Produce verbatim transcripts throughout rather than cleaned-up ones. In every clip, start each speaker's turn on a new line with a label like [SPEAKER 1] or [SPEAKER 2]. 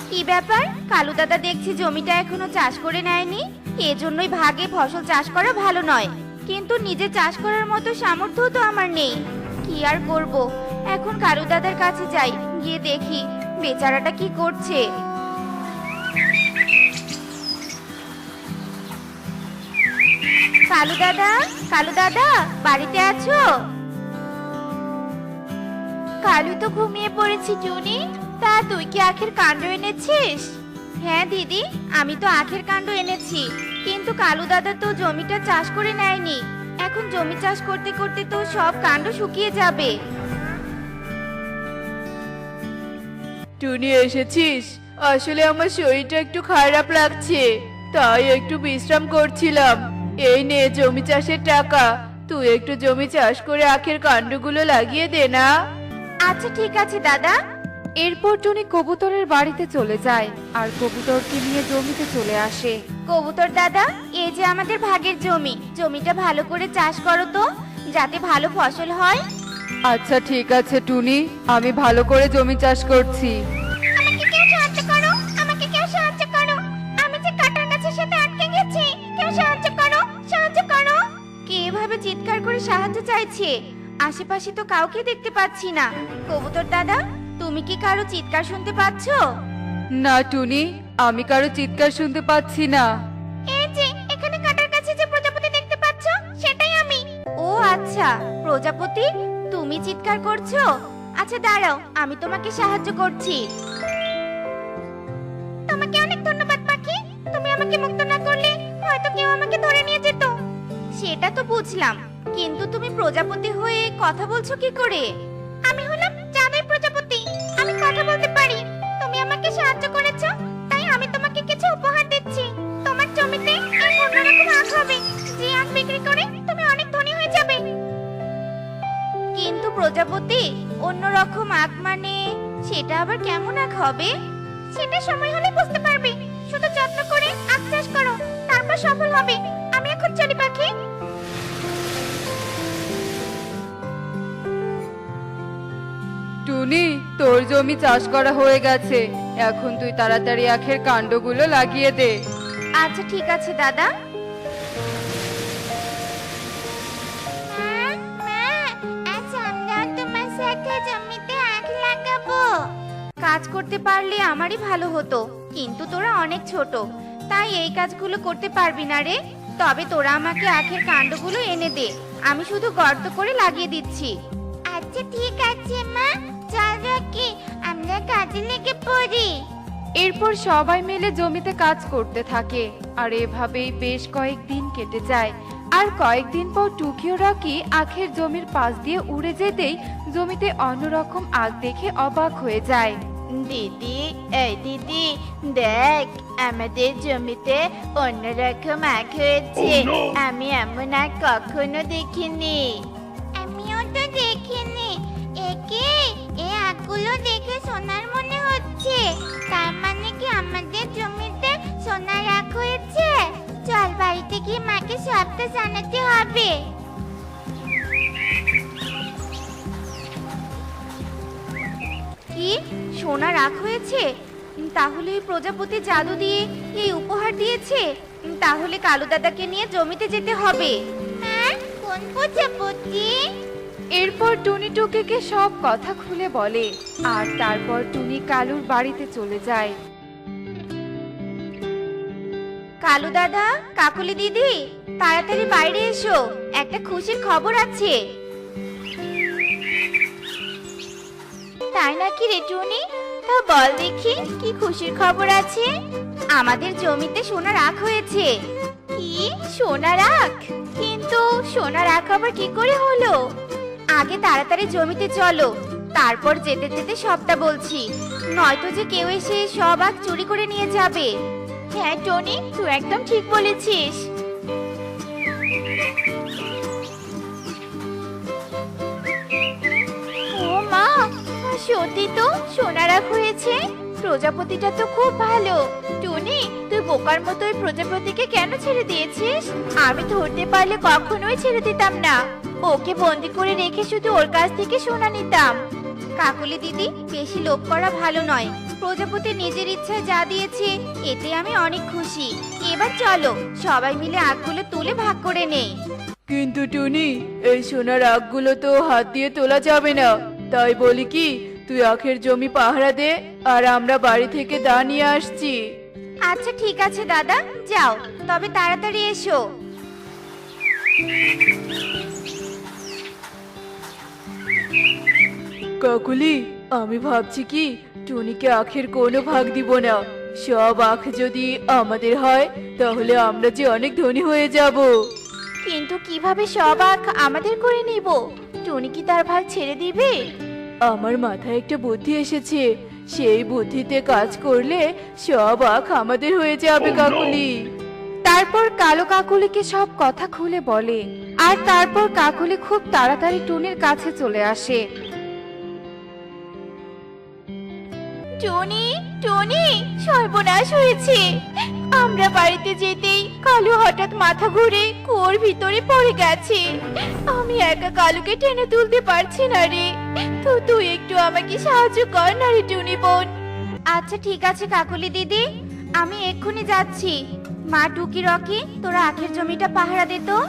[SPEAKER 1] কি ব্যাপার? কালু দাদা দেখছি জমিটা এখনো চাষ করে নেয়নি। এজন্যই ভাগে ফসল চাষ করা ভালো নয়, কিন্তু নিজে চাষ করার মতো সামর্থ্য তো আমার নেই। কি আর করব, এখন কালু দাদার কাছে যাই, গিয়ে দেখি বেচারাটা কি করছে। কালু দাদা, কালু দাদা, বাড়িতে আছো? কালু তো ঘুমিয়ে পড়েছি টুনি। তা তুই কি আখের কাণ্ড এনেছিস? হ্যাঁ দিদি, আমি তো আখের কাণ্ড এনেছি, কিন্তু কালু দাদা তো জমিটা চাষ করে নেয়নি। এখন জমি চাষ করতে করতে তো সব কাণ্ড শুকিয়ে যাবে।
[SPEAKER 2] টুনি এসেছিস? আসলে আমার শরীরটা একটু খারাপ লাগছে, তাই একটু বিশ্রাম করছিলাম। এই নে জমি চাষের টাকা, তুই একটু জমি চাষ করে আখের কাণ্ডগুলো লাগিয়ে দে না।
[SPEAKER 1] আচ্ছা ঠিক আছে দাদা।
[SPEAKER 3] এরপর টুনি কবুতরের বাড়িতে চলে যায় আর কবুতরকে নিয়ে জমিতে চলে আসে।
[SPEAKER 1] কবুতর দাদা, এই যে আমাদের ভাগের জমি, জমিটা ভালো করে চাষ করো তো, যাতে ভালো ফসল হয়।
[SPEAKER 3] আচ্ছা ঠিক আছে টুনি, আমি ভালো করে জমি চাষ করছি।
[SPEAKER 1] আমাকে কেউ সাহায্য করো, আমাকে কেউ সাহায্য করো, আমি যে কাঁটার গাছের সাথে আটকে গেছি, কেউ সাহায্য করো, সাহায্য করো। কে এভাবে চিৎকার করে সাহায্য চাইছে? আশেপাশে তো কাউকে দেখতে পাচ্ছি না। কবুতর দাদা, তুমি কি কারো চিৎকার শুনতে পাচ্ছো?
[SPEAKER 3] না টুনি, আমি কারো চিৎকার শুনতে পাচ্ছি না।
[SPEAKER 1] এই যে এখানে কাঁটার কাছে যে প্রজাপতি দেখতে পাচ্ছো, সেটাই আমি। ও আচ্ছা, প্রজাপতি, তুমি চিৎকার করছো? আচ্ছা দাঁড়াও, আমি তোমাকে সাহায্য করছি। তোমাকে অনেক ধন্যবাদ পাখি, তুমি আমাকে মুক্ত না করলে হয়তো কেউ আমাকে ধরে নিয়ে যেত। সেটা তো বুঝলাম, কিন্তু তুমি প্রজাপতি হয়ে কথা বলছো কি করে? আমি হলাম জাদুই প্রজাপতি, আমি কথা বলতে পারি। তুমি আমাকে সাহায্য করেছো, তাই আমি তোমাকে কিছু উপহার দিচ্ছি। তোমার জমিতে এক অন্যরকম আখ হবে, যে আখ বিক্রি করে তুমি অনেক ধনী হয়ে যাবে। কিন্তু প্রজাপতি, অন্যরকম আখ মানে সেটা আবার কেমন আখ হবে? সেটা সময় হলে বুঝতে পারবে। শুধু যত্ন করে আখ চাষ করো, তারপর সফল হবে। আমি এখন চলি পাখি।
[SPEAKER 3] টুনি, তোর জমি চাষ করা হয়ে গেছে, এখন তুই তাড়াতাড়ি আখের কাণ্ডগুলো লাগিয়ে দে।
[SPEAKER 1] আচ্ছা ঠিক আছে দাদা। কাজ করতে পারলে আমারই ভালো হতো, কিন্তু তোরা অনেক ছোট, তাই এই কাজগুলো করতে পারবি না রে। তবে তোরা আমাকে আখের কাণ্ডগুলো এনে দে, আমি শুধু গর্ত করে লাগিয়ে দিচ্ছি। আচ্ছা ঠিক আছে মা, চল রাখি, আমরা কাজে লেগে পড়ি।
[SPEAKER 3] এরপর সবাই মিলে জমিতে কাজ করতে থাকে আর এভাবেই বেশ কয়েকদিন কেটে যায়। আর কয়েকদিন পর টুকি ও রকি আখের জমির পাশ দিয়ে উড়ে যেতেই জমিতে অন্যরকম আখ দেখে অবাক হয়ে যায়।
[SPEAKER 1] দিদি, এই দিদি দেখ, আমাদের জমিতে অন্যরকম আখ হয়েছে। আমি এমন আখ কখনো দেখিনি। আমিও তো দেখিনি। একে এই আখগুলো দেখে সোনার মনে হচ্ছে, তার মানে কি আমাদের জমিতে সোনার আখ হয়েছে? চল বাড়িতে গিয়ে মাকে সবটা জানাতে হবে। কি সোনার আখ হয়েছে? তাহলে এই প্রজাপতি জাদু দিয়ে এই উপহার দিয়েছে। তাহলে কালু দাদাকে নিয়ে জমিতে যেতে হবে। হ্যাঁ, কোন প্রজাপতি?
[SPEAKER 3] এরপর টুনি টুকিকে সব কথা খুলে বলে আর তারপর টুনি কালুর বাড়িতে চলে যায়।
[SPEAKER 1] কালু দাদা, কাকুলি দিদি, তাড়াতাড়ি বাইরে এসো, একটা খুশির খবর আছে। তাই নাকি রে টুনি? তা বল দেখি, কি খুশির খবর আছে? আমাদের জমিতে সোনার আখ হয়েছে। কি সোনার আখ? কিন্তু সোনার আখ আবার কি করে হলো? আগে তাড়াতাড়ি জমিতে চলো, তারপর যেতে যেতে সবটা বলছি, নয়তো যে কেউ এসে সব আখ চুরি করে নিয়ে যাবে। হ্যাঁ টনি, তুই একদম ঠিক বলেছিস। ও মা, সত্যি তো সোনার আখ হয়েছে। প্রজাপতিটা তো খুব ভালো। টুনি, তুই বোকার মতো ওই প্রজাপতিকে কেন ছেড়ে দিয়েছিস? আমি ধরতে পারলে কখনোই ছেড়ে দিতাম না। ওকে বন্দি করে রেখে শুধু ওর কাছ থেকে সোনা নিতাম। কাকলি দিদি, বেশি লোভ করা ভালো নয়। প্রজাপতি নিজের ইচ্ছায় যা দিয়েছে এতে আমি অনেক খুশি। এবার চলো সবাই মিলে আখগুলো তুলে ভাগ করে নেই।
[SPEAKER 2] কিন্তু টুনি, এই সোনার আখগুলো তো হাত দিয়ে তোলা যাবে না। তাই বলি কি, তুই আখের জমি পাহারা দে, আর আমরা বাড়ি থেকে দা নিয়ে আসছি।
[SPEAKER 1] আচ্ছা ঠিক আছে দাদা, যাও তবে তাড়াতাড়ি এসো।
[SPEAKER 2] কাকুলি, আমি ভাবছি কি টুনিকে আখের কোনো ভাগ দিব না। সব আখ যদি আমাদের হয় তাহলে আমরা যে অনেক ধনী হয়ে যাব।
[SPEAKER 1] কিন্তু কিভাবে সব আখ আমাদের করে নিব? টুনি কি তার ভাগ ছেড়ে দিবে?
[SPEAKER 2] আমার মাথায় একটা বুদ্ধি এসেছে, সেই বুদ্ধিতে কাজ করলে সব আখ আমাদের হয়ে যাবে কাকুলি।
[SPEAKER 3] তারপর কালো কাকুলিকে সব কথা খুলে বলে, আর তারপর কাকুলি খুব তাড়াতাড়ি টুনির কাছে চলে আসে।
[SPEAKER 1] টুনি, টুনি, সর্বনাশ হয়েছে। আমরা বাড়িতে যেতেই কালু হঠাৎ মাথা ঘুরে কুয়োর ভিতরে পড়ে গেছে। আমি একা কালুকে টেনে তুলতে পারছি না রে। তো তুই একটু আমাকে সাহায্য কর না রে টুনি বোন। আচ্ছা ঠিক আছে কাকুলি দিদি, আমি এক্ষুনি যাচ্ছি। মা, টুকি, রকি, তোরা আখের জমিটা পাহারা দে তো।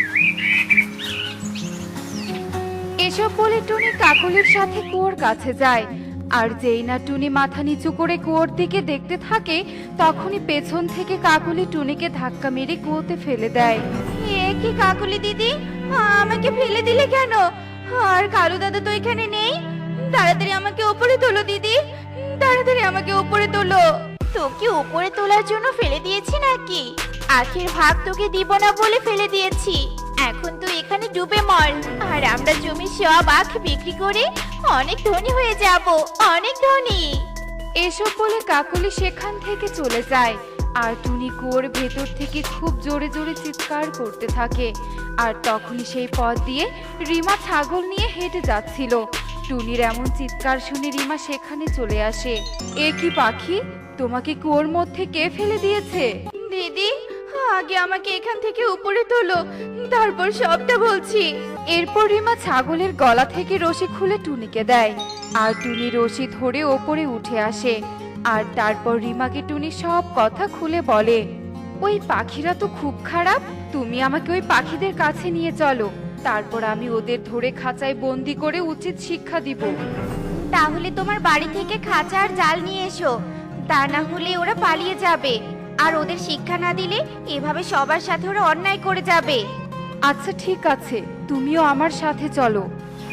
[SPEAKER 3] এসব বলে টুনি কাকুলির সাথে কুয়োর কাছে যায়। আর যেই না টুনি মাথা নিচু করে কুয়োর দিকে দেখতে থাকে, তখনই পেছন থেকে কাকুলি টুনিকে ধাক্কা মেরে কুয়োতে ফেলে দেয়।
[SPEAKER 1] এ কি কাকুলি দিদি, আমাকে ফেলে দিলে কেন? আর কালু দাদা তো এখানে নেই। তাড়াতাড়ি আমাকে উপরে তোলো দিদি, তাড়াতাড়ি আমাকে উপরে তোলো। তোকে উপরে তোলার জন্য ফেলে দিয়েছি নাকি? আখের ভাগ তোকে দিব না বলে ফেলে দিয়েছি। এখন তুই এখানে ডুবে মর, আর আমরা জমির সব আখ বিক্রি করে অনেক ধনী হয়ে যাব, অনেক ধনী।
[SPEAKER 3] এসব বলে কাকুলি সেখান থেকে চলে যায়। আর টুনি কুয়োর ভেতর থেকে খুব জোরে জোরে চিৎকার করতে থাকে। আর তখনই সেই পথ দিয়ে রিমা ছাগল নিয়ে হেঁটে যাচ্ছিল। টুনির এমন চিৎকার শুনে রিমা সেখানে চলে আসে। এ কি পাখি, তোমাকে কুয়োর মধ্যে কে ফেলে দিয়েছে?
[SPEAKER 1] দিদি, আগে আমাকে এখান থেকে উপরে তোলো, তারপর সবটা বলছি।
[SPEAKER 3] এরপর রিমা ছাগলের গলা থেকে রশি খুলে টুনিকে দেয়। আর টুনি রশি ধরে ওপরে উঠে আসে। আর তারপর রিমাকে টুনি সব কথা খুলে বলে। ওই পাখিরা তো খুব খারাপ, তুমি আমাকে ওই পাখিদের কাছে নিয়ে চলো, তারপর আমি ওদের ধরে খাঁচায় বন্দি করে উচিত শিক্ষা দিব।
[SPEAKER 1] তাহলে তোমার বাড়ি থেকে খাঁচা আর জাল নিয়ে এসো, তা না হলে ওরা পালিয়ে যাবে। আর ওদের শিক্ষা না দিলে এভাবে সবার সাথে ওরা অন্যায় করে যাবে।
[SPEAKER 3] আচ্ছা ঠিক আছে, তুমিও আমার সাথে চলো।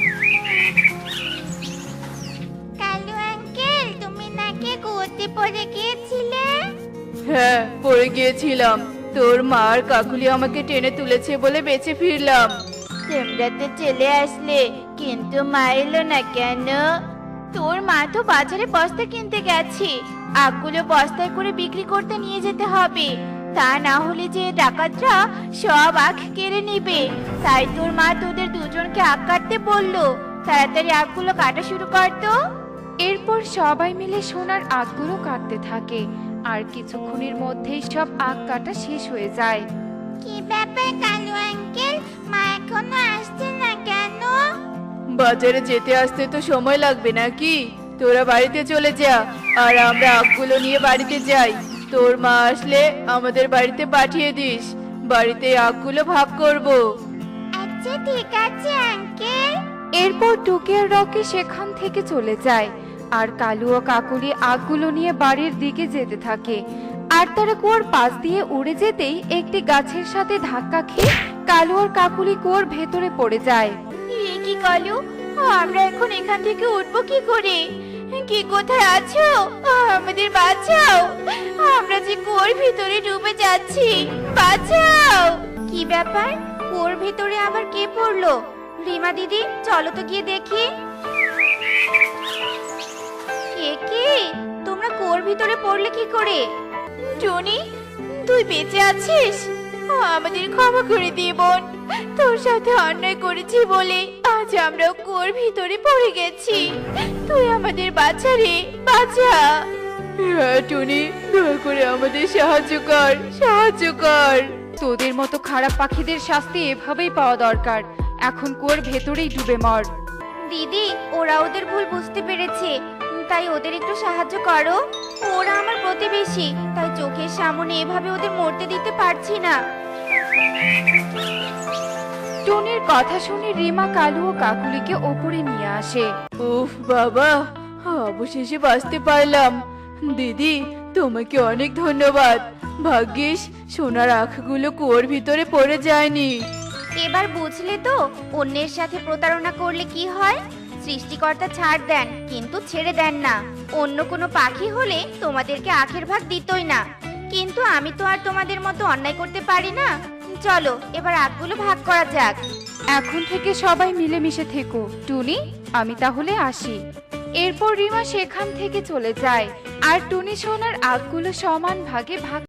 [SPEAKER 1] কালু আঙ্কেল, তুমি নাকি কুয়োতে পড়ে গিয়েছিলে?
[SPEAKER 2] হ্যাঁ, পড়ে গিয়েছিলাম। তোর মা আর কাকুলি আমাকে টেনে তুলেছে বলে বেঁচে ফিরলাম।
[SPEAKER 1] তোমরা তো চলে আসলে, কিন্তু মা এলো না কেন? তোর মা তো বাজারে বস্তা কিনতে গেছে। আখগুলো বস্তায় করে বিক্রি করতে নিয়ে যেতে হবে, তা না হলে যে ডাকাতরা সব আখ কেড়ে নেবে। তাই তোর মা তোদের দুজনকে আখ কাটতে বললো। তাড়াতাড়ি আখগুলো কাটা শুরু কর তো।
[SPEAKER 3] এরপর সবাই মিলে সোনার আখগুলো কাটতে থাকে। আর কিছুক্ষণের মধ্যেই সব আখ কাটা শেষ হয়ে যায়।
[SPEAKER 1] কি ব্যাপার কালু আঙ্কেল, মা এখনো আসছে না কেন?
[SPEAKER 2] বাজারে যেতে আসতে তো সময় লাগবে নাকি? তোরা বাড়িতে চলে যা, আর আমরা আখগুলো নিয়ে বাড়িতে যাই। তোর মা আসলে আমাদের বাড়িতে পাঠিয়ে দিস, বাড়িতে আখগুলো ভাগ করব।
[SPEAKER 1] আচ্ছা ঠিক আছে আঙ্কেল।
[SPEAKER 3] এরপর টুকি আর রকি সেখান থেকে চলে যায়। আর কালু ও কাকুলি আখগুলো নিয়ে বাড়ির দিকে যেতে থাকে। আর তারা কুয়োর পাশ দিয়ে উড়ে যেতেই একটি গাছের সাথে ধাক্কা খেয়ে কালু আর কাকুলি কুয়োর ভেতরে পড়ে যায়।
[SPEAKER 1] এ কি কালু, আমরা এখন এখান থেকে উঠবো কি করে? কি কোথায় আছো? আমাদের বাঁচাও, আমরা যে কুয়োর ভিতরে ডুবে যাচ্ছি, বাঁচাও। কি ব্যাপার, কুয়োর ভিতরে আবার কে পড়লো? রিমা দিদি, চলো তো গিয়ে দেখি। কে কি? তোমরা কুয়োর ভিতরে পড়লে কি করে? টনি, তুই বেঁচে আছিস? আমাদের ক্ষমা করে দিয়ে বোন, তোর সাথে অন্যায় করেছি বলে আজ আমরা কুয়োর ভিতরে পড়ে গেছি। তুই আমাদের বাঁচা রে, বাঁচা।
[SPEAKER 2] হ্যাঁ টুনি, দয়া করে আমাদের সাহায্য কর, সাহায্য কর।
[SPEAKER 3] তোদের মতো খারাপ পাখিদের শাস্তি এভাবেই পাওয়া দরকার। এখন কুয়োর ভেতরেই ডুবে মর।
[SPEAKER 1] দিদি, ওরা ওদের ভুল বুঝতে পেরেছে, তাই ওদের একটু সাহায্য করো। ওরা আমার প্রতিবেশী, তাই চোখের সামনে এভাবে ওদের মরতে দিতে পারছি না।
[SPEAKER 3] টুনির কথা শুনে রিমা কালু ও কাকুলিকে ওপরে নিয়ে আসে।
[SPEAKER 2] উফ বাবা, অবশেষে বাঁচতে পারলাম। দিদি, তোমাকে অনেক ধন্যবাদ। ভাগ্যিস সোনার আখগুলো কুয়োর ভিতরে পড়ে যায়নি।
[SPEAKER 1] এবার বুঝলে তো অন্যের সাথে প্রতারণা করলে কি হয়। সৃষ্টিকর্তা ছাড় দেন, কিন্তু ছেড়ে দেন না। অন্য কোনো পাখি হলে তোমাদেরকে আখের ভাগ দিতই না, কিন্তু আমি তো আর তোমাদের মতো অন্যায় করতে পারি না। চলো এবার আখগুলো ভাগ করা যাক।
[SPEAKER 3] এখন থেকে সবাই মিলেমিশে থেকো। টুনি, আমি তাহলে আসি। এরপর রিমা সেখান থেকে চলে যায় আর টুনি সোনার আখগুলো সমান ভাগে ভাগ